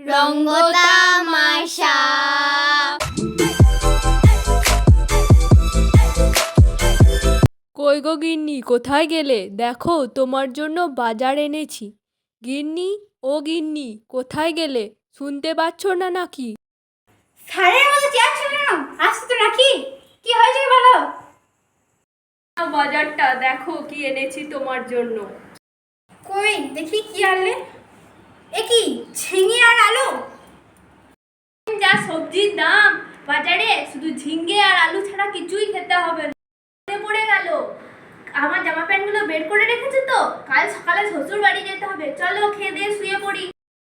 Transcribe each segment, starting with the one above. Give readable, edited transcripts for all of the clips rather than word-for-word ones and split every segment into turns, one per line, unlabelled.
রঙ্গতামাশা।
কই গো গিন্নি, কোথায় গেলে? দেখো তোমার জন্য বাজার এনেছি। গিন্নি, ও গিন্নি, কোথায় গেলে? শুনতে পাচ্ছ না নাকি?
সারের মতো চেয়ার ছিল না, আসতে তো নাকি? কি হয়েছে বলো?
বাজারটা দেখো কি এনেছি তোমার জন্য।
কই দেখি কি আনলে? এ কি ঝিঙে আর আলু?
যা সবজির দাম বাজারে, শুধু ঝিঙ্গে আর আলু ছাড়া কিছুই খেতে হবে না। মনে পড়ে গেল, আমার জামা প্যান্টগুলো বের করে রেখেছি তো, কাল সকালে শ্বশুর বাড়ি যেতে হবে। চলো খেয়ে দিয়ে শুয়ে পড়ি।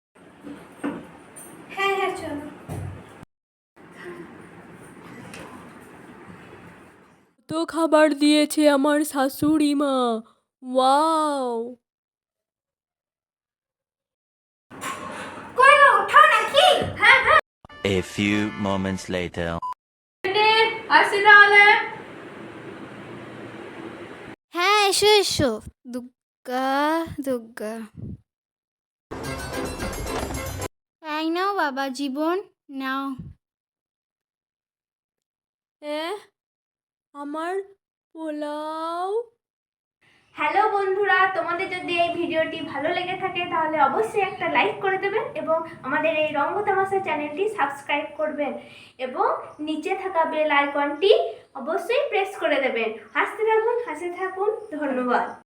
হ্যাঁ হ্যাঁ চলো।
তো খাবার দিয়েছে আমার শাশুড়ি মা। ওয়াও!
কই গো ওঠাও নাকি?
হ্যাঁ হ্যাঁ,
A few moments later.
আসি তাহলে।
হ্যাঁ এসো এসো। দুগ্গা দুগ্গা। এই নাও বাবা জীবন, নাও।
আমার পোলাও।
হ্যালো বন্ধুরা, তোমাদের যদি এই ভিডিওটি ভালো লেগে থাকে তাহলে অবশ্যই একটা লাইক করে দেবেন এবং আমাদের এই রঙ্গতামাশা চ্যানেলটি সাবস্ক্রাইব করবেন এবং নিচে থাকা বেল আইকনটি অবশ্যই প্রেস করে দেবেন। হাসতে থাকুন, হাসতে থাকুন। ধন্যবাদ।